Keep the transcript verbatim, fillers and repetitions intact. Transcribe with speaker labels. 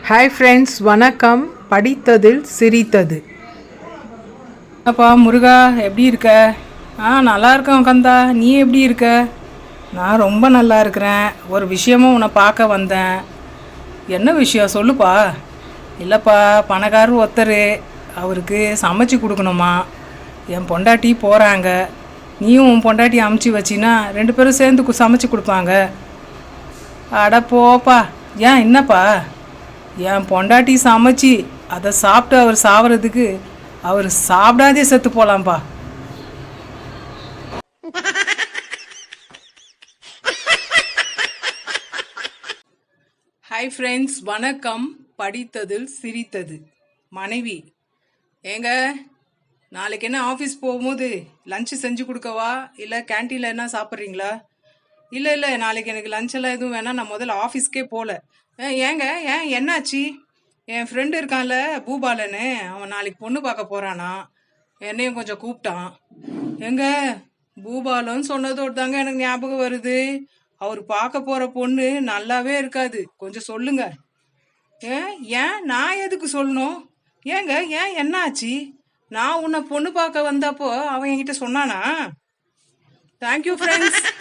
Speaker 1: Hi friends, வணக்கம். படித்ததில் சிரித்தது.
Speaker 2: அப்பா முருகா, எப்படி இருக்க? ஆ நல்லா இருக்கேன் கந்தா. நீ எப்படி இருக்க? நான் ரொம்ப நல்லா இருக்கிறேன். ஒரு விஷயமும் உன்னை பார்க்க வந்தேன். என்ன விஷயம் சொல்லுப்பா. இல்லைப்பா, பணக்காரர் ஒருத்தர், அவருக்கு சமைச்சு கொடுக்கணுமா. என் பொண்டாட்டி போகிறாங்க. நீயும் உன் பொண்டாட்டி அமுச்சு வச்சின்னா ரெண்டு பேரும் சேர்ந்து கு- சமைச்சு கொடுப்பாங்க. அட போப்பா. ஏன் என்னப்பா? என் பொண்டாட்டி சமைச்சு அதை சாப்பிட்டு அவர் சாவறதுக்கு அவர் சாப்பிடாதே செத்து போகலாம்ப்பா. ஹாய் ஃப்ரெண்ட்ஸ், வணக்கம். படித்ததில் சிரித்தது. மனைவி: ஏங்க, நாளைக்கு என்ன ஆஃபீஸ் போகும்போது லஞ்சு செஞ்சு கொடுக்கவா, இல்லை கேன்டீனில் என்ன சாப்பிட்றீங்களா? இல்லை இல்லை, நாளைக்கு எனக்கு லஞ்ச் எல்லாம் எதுவும் வேணாம், நான் முதல்ல ஆஃபீஸ்க்கே போகல. ஏங்க, ஏன் என்னாச்சு? என் ஃப்ரெண்டு இருக்கான்ல பூபாலன்னு, அவன் நாளைக்கு பொண்ணு பார்க்க போகிறானா. என்னையும் கொஞ்சம் கூப்பிட்டான். எங்க, பூபாலன்னு சொன்னதோடு தாங்க எனக்கு ஞாபகம் வருது. அவர் பார்க்க போகிற பொண்ணு நல்லாவே இருக்காது. கொஞ்சம் சொல்லுங்க. ஏன் ஏன் நான் எதுக்கு சொல்லணும்? ஏங்க, ஏன் என்னாச்சு? நான் உன்னை பொண்ணு பார்க்க வந்தப்போ அவன் என்கிட்ட சொன்னானா? Thank you friends.